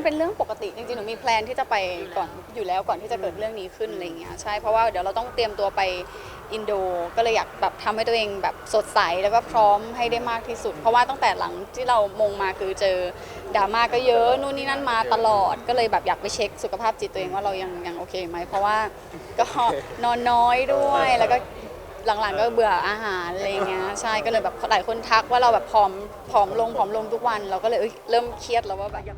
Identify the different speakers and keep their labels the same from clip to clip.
Speaker 1: เป็นเรื่องปกติจริงๆหนูมีแพลนที่จะไปก่อนอยู่แล้วก่อนที่จะเกิดเรื่องนี้ขึ้นอะไรเงี้ยใช่เพราะว่าเดี๋ยวเราต้องเตรียมตัวไปอินโดก็เลยอยากแบบทำให้ตัวเองแบบสดใสแล้วก็พร้อมให้ได้มากที่สุดเพราะว่าตั้งแต่หลังที่เรามงมาคือเจอดราม่าก็เยอะนู่นนี่นั่นมาตลอดก็เลยแบบอยากไปเช็คสุขภาพจิตตัวเองว่าเรายังโอเคไหมเพราะว่าก็นอนน้อยด้วยแล้วก็หลังๆก็เบื่ออาหารอะไรเงี้ยใช่ก็เลยแบบหลายคนทักว่าเราแบบผอมลงทุกวันเราก็เลยเริ่มเครียดแล้วว่าแบบ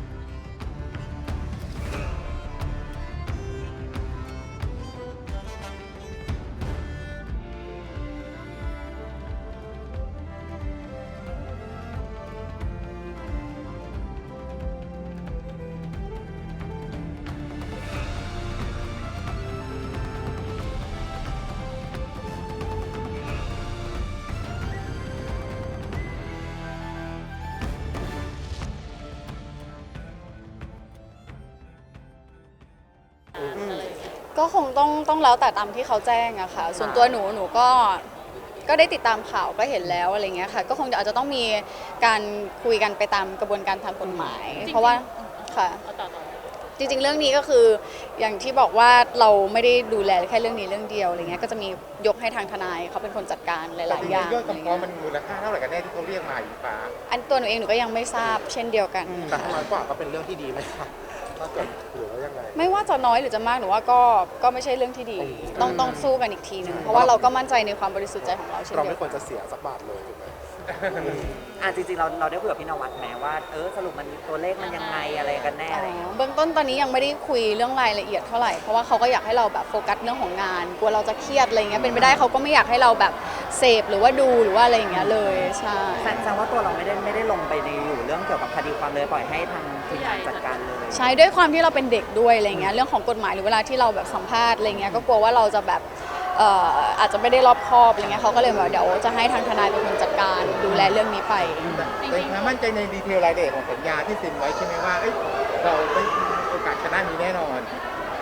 Speaker 1: ก็คงต้องแล้วแต่ตามที่เขาแจ้งอะค่ะส่วนตัวหนูก็ได้ติดตามข่าวก็เห็นแล้วอะไรเงี้ยค่ะก็คงอาจจะต้องมีการคุยกันไปตามกระบวนการทางกฎหมายเพราะว่าค่ะจริงๆเรื่องนี้ก็คืออย่างที่บอกว่าเราไม่ได้ดูแลแค่เรื่องนี้เรื่องเดียวอะไรเงี้ยก็จะมียกให้ทางทนายเขาเป็นคนจัดการหลายๆอย่าง
Speaker 2: ยอดคำฟ้องมันมูลค่าเท่าไหร่กันแน่ที่เขาเรียกมาอยู่ฟ้า
Speaker 1: อันตัวหนูเองหนูก็ยังไม่ทราบเช่นเดียวกัน
Speaker 3: แต่น้อยกว่าก็เป็นเรื่องที่ดีไหมครับถ้าเกิดหรือว่ายังไง
Speaker 1: ไม่ว่าจะน้อยหรือจะมากหนูว่าก็ไม่ใช่เรื่องที่ดีต้องสู้กันอีกทีหนึ่งเพราะว่าเราก็มั่นใจในความบริสุทธิ์ใจของเราเช่นเดียวกัน
Speaker 3: เราไม่ควรจะเสียสักบาทเลยถูกไหม
Speaker 4: จริงๆเราได้คุยกับพี่นวัดแม้ว่าสรุปมันตัวเลขมันยังไงอะไรกันแน่อะไรอย่างเงี้ย
Speaker 1: เบื้องต้นตอนนี้ยังไม่ได้คุยเรื่องรายละเอียดเท่าไหร่เพราะว่าเขาก็อยากให้เราแบบโฟกัสเรื่องของงานกลัวเราจะเครียดอะไรเงี้ยเป็นไปได้เขาก็ไม่อยากให้เราแบบเสพหรือว่าดูหรือว่าอะไรอย่างเงี้ยเลยใช่
Speaker 4: แสดงว่าตัวเราไม่ได้ลงไปในอยู่เรื่องเกี่ยวกับคดีความเลยปล่อยให้ทางทีมงานจัดการเลย
Speaker 1: ใช่ด้วยความที่เราเป็นเด็กด้วยอะไรเงี้ยเรื่องของกฎหมายหรือเวลาที่เราแบบสัมภาษณ์อะไรเงี้ยก็กลัวว่าเราจะแบบอาจจะไม่ได้รอบคอบอะไรเงี้ยเขาก็เลยบอกเดี๋ยวจะให้ทางทนายเป็นคนจัดการดูแลเรื่องนี้ไป
Speaker 2: แต่มั่นใจในดีเทลรายละเอียดของสัญญาที่เซ็นไว้ใช่ไหมว่าเราได้โอกาสชนะนี้แน่นอน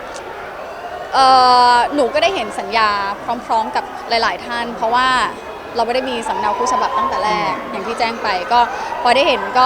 Speaker 1: หนูก็ได้เห็นสัญญาพร้อมๆกับหลายๆท่านเพราะว่าเราไม่ได้มีสำเนาคู่ฉบับตั้งแต่แรกอย่างที่แจ้งไปก็พอได้เห็นก็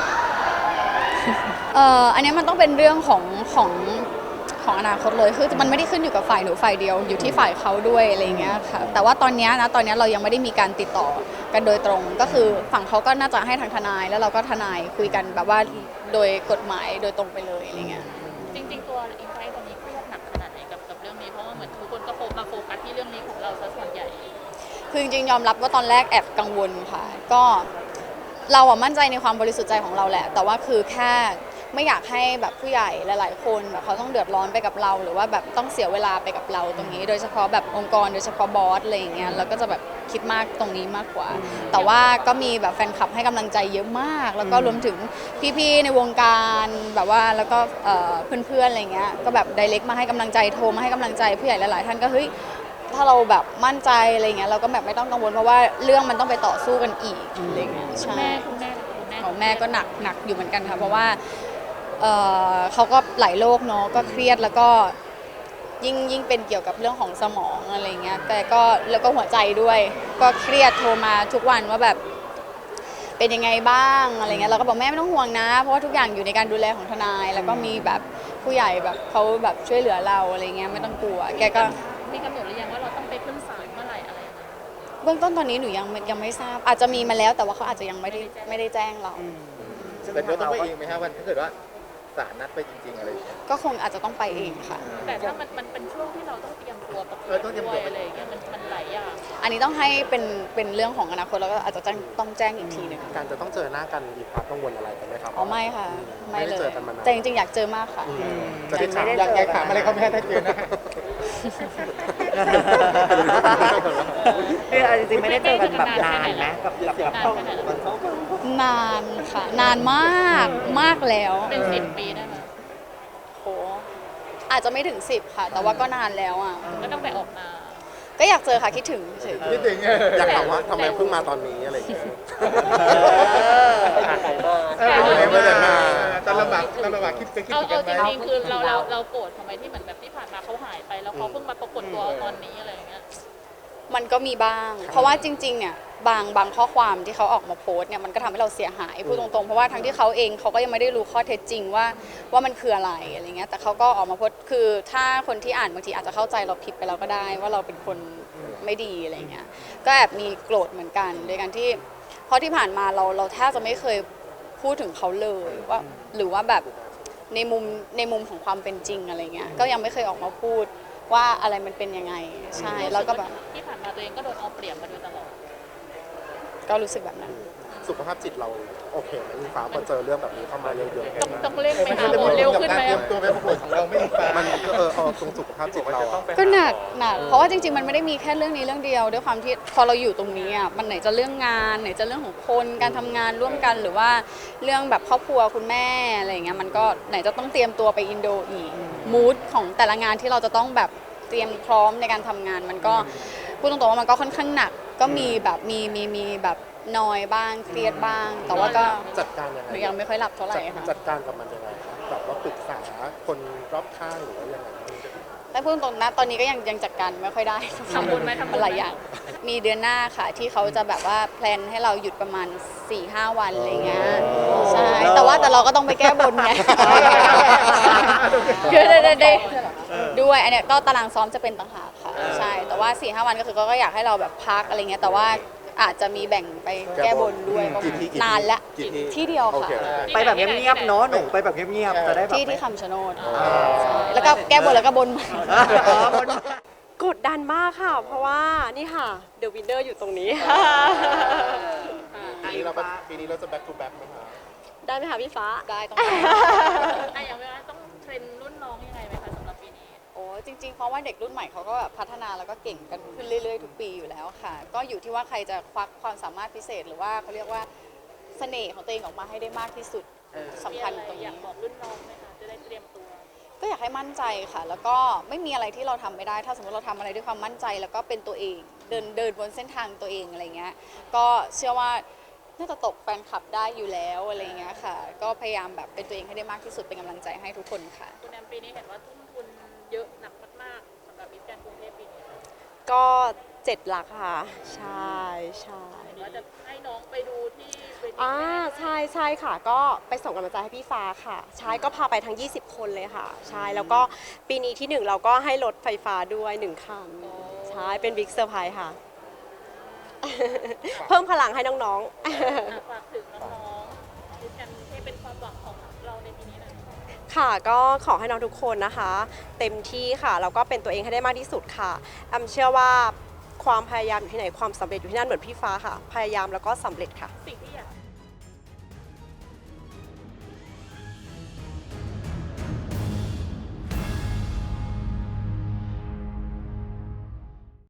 Speaker 1: อันนี้มันต้องเป็นเรื่องของอนาคตเลยคือมันไม่ได้ขึ้นอยู่กับฝ่ายหนูฝ่ายเดียวอยู่ที่ฝ่ายเขาด้วยอะไรเงี้ยค่ะแต่ว่าตอนนี้เรายังไม่ได้มีการติดต่อกันโดยตรงก็คือฝั่งเขาก็น่าจะให้ทางทนายแล้วเราก็ทนายคุยกันแบบว่าโดยกฎหมายโดยตรงไปเลยอะไรเงี้ย
Speaker 5: จริงๆตัวอินไซต์ตอนนี้เครียดหนักขนาดไหนกับเรื่องนี้เพราะว่าเหมือนทุกคนก็มาโฟกัสที่เรื่องนี้ของเราซะส่วนใหญ่
Speaker 1: คือจริงๆยอมรับว่าตอนแรกแอบกังวลค่ะก็เราอะมั่นใจในความบริสุทธิ์ใจของเราแหละแต่ว่าคือแค่ไม่อยากให้แบบผู้ใหญ่หลายๆคนแบบเขาต้องเดือดร้อนไปกับเราหรือว่าแบบต้องเสียเวลาไปกับเราตรงนี้โดยเฉพาะแบบองค์กรโดยเฉพาะบอสอะไรอย่างเงี้ยเราก็จะแบบคิดมากตรงนี้มากกว่าแต่ว่าก็มีแบบแฟนคลับให้กำลังใจเยอะมากแล้วก็รวมถึงพี่ๆในวงการแบบว่าแล้วก็เพื่อนๆอะไรเงี้ยก็แบบไดเรกมาให้กำลังใจโทรมาให้กำลังใจผู้ใหญ่หลายๆท่านก็เฮ้ยถ้าเราแบบมั่นใจอะไรเงี้ยเราก็แบบไม่ต้องกังวลเพราะว่าเรื่องมันต้องไปต่อสู้กันอีกอะไรเงี้ยใช่ของแม่ก็หนักอยู่เหมือนกันค่ะเพราะว่าเขาก็หลายโรคเนาะก็เครียดแล้วก็ยิ่งเป็นเกี่ยวกับเรื่องของสมองอะไรเงี้ยแต่ก็แล้วก็หัวใจด้วยก็เครียดโทรมาทุกวันว่าแบบเป็นยังไงบ้างอะไรเงี้ยเราก็บอกแม่ไม่ต้องห่วงนะเพราะว่าทุกอย่างอยู่ในการดูแลของทนายแล้วก็มีแบบผู้ใหญ่แบบเขาแบบช่วยเหลือเราอะไรเงี้ยไม่ต้องกลัวแกก็
Speaker 5: มีกำหนดหรือยังว่าเราต้องไปขึ้นศาลเมื่อไหร่อะไร
Speaker 1: เบื้องต้นตอนนี้หนูยังไม่ทราบอาจจะมีมาแล้วแต่ว่าเขาอาจจะยังไม่ได้แจ้งเรา
Speaker 2: แต่เราต้องไปเองไหมครับวันถ้าเกิดว่าศาลนัดไปจริงๆอะไร
Speaker 1: ก็คงอาจจะต้องไปเองค่ะ
Speaker 5: แต่ถ้ามันเป็นช่วงที่เราต้องเตรียมตัวประกวดด้วยอะไรอย่างเงี้ยมันหลายอย่าง
Speaker 1: อันนี้ต้องให้เป็นเรื่องของอนาคตแล้วก็อาจจะต้องแจ้งอีกทีหนึ่ง
Speaker 3: การจะต้องเจอหน้ากันมีความกังวลอะไรกันไหมครับ
Speaker 1: อ๋อไม่ค่ะไม่เลยแต่จริงๆอยากเจอมากค่ะ
Speaker 2: จะได้ถามอยากถามอะไรเขาไม่ให้เจอนะ
Speaker 4: คือจริงๆไม่ได้เจอกันแบบนานนะกับ
Speaker 1: นานค่ะนานมากแล้ว
Speaker 5: เป็น10 ปีได้ไหม
Speaker 1: โหอาจจะไม่ถึง10ค่ะแต่ว่าก็นานแล้วอ่ะ
Speaker 5: ก็ต้องไปออกมา
Speaker 1: ก็อยากเจอค่ะคิดถึงเฉย
Speaker 2: คิดถึง
Speaker 3: อยากถามว่าทำไมเพิ่งมาตอนนี้อะไรอย่างเงี้ย
Speaker 2: ตอนลำบากคิดกันไหม
Speaker 5: จริงๆคือเราโกรธทำไมที่เหมือนแบบที่ผ่านมาเขาหายไปแล้วเขาเพิ่งมาปรากฏตัวตอนนี้อะไรอย่างเงี้ย
Speaker 1: มันก็มีบ้าง เพราะว่าจริงๆเนี่ยบางข้อความที่เขาออกมาโพสต์เนี่ยมันก็ทำให้เราเสียหายพูดตรงๆเพราะว่าทั้งที่เขาเองเขาก็ยังไม่ได้รู้ข้อเท็จจริงว่ามันคืออะไรอะไรเงี้ยแต่เขาก็ออกมาโพสต์คือถ้าคนที่อ่านบางทีอาจจะเข้าใจเราผิดไปแล้วก็ได้ว่าเราเป็นคนไม่ดีอะไรเงี้ยก็แอบมีโกรธเหมือนกันโดยการที่เพราะที่ผ่านมาเราแทบจะไม่เคยพูดถึงเขาเลยว่าหรือว่าแบบในมุมของความเป็นจริงอะไรเงี้ยก็ยังไม่เคยออกมาพูดว่าอะไรมันเป็นยังไงใช่แล้วก็แบบ
Speaker 5: ที่ผ่านมาตัวเองก็โดนเอาเปรียบมาโดยตลอด
Speaker 1: ก็รู้สึกแบบนั้น
Speaker 3: สุขภาพจิตเราโอเคไหมอิงฟ้าพอเจอเรื่องแบบนี้เข้ามาเยอะๆ
Speaker 5: ต้องเร่งไปหาหมอเร็วขึ้นไหม
Speaker 2: เตรียมตัวไปประกวดของเราไม่ดีฟ้า
Speaker 3: มันก็เอาตรงสุขภาพจิตเราอะ
Speaker 1: ก็หนักเพราะว่าจริงๆมันไม่ได้มีแค่เรื่องนี้เรื่องเดียวด้วยความที่พอเราอยู่ตรงนี้อ่ะมันไหนจะเรื่องงานไหนจะเรื่องของคนการทำงานร่วมกันหรือว่าเรื่องแบบครอบครัวคุณแม่อะไรอย่างเงี้ยมันก็ไหนจะต้องเตรียมตัวไปอินโดอีกมูดของแต่ละงานที่เราจะต้องแบบเตรียมพร้อมในการทำงานมันก็พูดตรงๆว่ามันก็ค่อนข้างหนักก็มีแบบมีแบบนอยบ้างเครียดบ้าง แต่ว่าก็
Speaker 3: จัดการยังไง
Speaker 1: ยังไม่ค่อยหลับเท่าไหร่ค่ะ
Speaker 3: จัดการกับมันยังไงครับแบบว่าปรึกษาคนรอบข้างหรือว่ายังไง
Speaker 1: แต่พูดตรงๆนะตอนนี้ก็ยังจัดการไม่ค่อยได้
Speaker 5: ทำบุญไหมทำบุญไหม
Speaker 1: หลายอย่างมีเดือนหน้าค่ะที่เขาจะแบบว่าแพลนให้เราหยุดประมาณ 4-5 วันอะไรเงี้ยใช่แต่เราก็ต้องไปแก้บนไงคือได้ด้วยอันเนี้ยก็ตารางซ้อมจะเป็นต่างหากค่ะใช่แต่ว่า 4-5 วันก็คือก็อยากให้เราแบบพักอะไรเงี้ยแต่ว่าอาจจะมีแบ่งไปแก้บนด้วยประมาณนานละที่เดียวค่ะ
Speaker 4: ไปแบบเงียบๆเนาะหนูไปแบบเงียบๆจะได้แบบ
Speaker 1: ที่
Speaker 4: ไม่
Speaker 1: คำชะโนดใช่แล้วก็แก้บนแล้วก็บนใหม่
Speaker 4: อ๋อบน
Speaker 6: กดดันมากค่ะ เพราะว่านี่ค่ะ The Winner อยู่ตรงนี้
Speaker 3: ปีนี้เราจะ back to back ไหมคะ
Speaker 6: ได้ไหมคะพี่ฟ้า
Speaker 1: ได้ต้อง
Speaker 5: อย่างเวลาต้องเทรนรุ่นน้องยังไงไหมคะสำหรับปีนี้
Speaker 1: โอ้จริงๆเพราะว่าเด็กรุ่นใหม่เขาก็แบบพัฒนาแล้วก็เก่งกันขึ้นเรื่อยๆทุกปีอยู่แล้วค่ะ ก็อยู่ที่ว่าใครจะควักความสามารถพิเศษหรือว่าเขาเรียกว่าเสน่ห์ของตัวเองออกมาให้ได้มากที่สุดสำคัญตรง
Speaker 5: อยา
Speaker 1: นี้
Speaker 5: กบอกรุ่นน้องไหมคะจะได้เตรียมตัว
Speaker 1: ก็อยากให้มั่นใจค่ะ แล้วก็ไม่มีอะไรที่เราทำไม่ได้ ถ้าสมมติเราทำอะไรด้วยความมั่นใจแล้วก็เป็นตัวเองเดินบนเส้นทางตัวเองอะไรเงี้ยก็เชื่อว่าน่าจะตกแฟนคลับได้อยู่แล้วอะไรเงี้ยค่ะ ก็พยายามแบบเป็นตัวเองให้ได้มากที่สุดเป็นกำลังใจให้ทุกคนค่ะ
Speaker 5: คุณแอมปีนี้เห็นว่าทุ่มทุนเยอะหนักมากๆสำหรับมิสแกรนด์กรุงเทพปีนี้
Speaker 6: ก็7 หลักค่ะ ใช่ใช่
Speaker 5: เห็นว่าจะให้น้องไปดูที่เวที
Speaker 6: ใช่ค่ะ ก็ไปส่งกำลังใจให้พี่ฟ้าค่ะ ใช่ก็พาไปทั้ง 20 คนเลยค่ะ ใช่ แล้วก็ปีนี้ที่ 1 เราก็ให้รถไฟฟ้าด้วย 1 คัน ใช่ เป็นบิ๊กเซอร์ไพรส์ค่ะ เพิ่มพลังให้น้องๆ
Speaker 5: ฝากถึงน้องๆมิสแกรนด์กรุงเทพเป็นความหวังของเราในปีนี้หน่อย
Speaker 6: ค่ะก็ขอให้น้องทุกคนนะคะ เต็มที่ค่ะแล้วก็เป็นตัวเองให้ได้มากที่สุดค่ะแอมเชื่อว่าความพยายามอยู่ที่ไหนความสำเร็จอยู่ที่นั่นเหมือนพี่ฟ้าค่ะ พยายามแล้วก็สำเร็จค่ะ
Speaker 5: สิ่งที่อยาก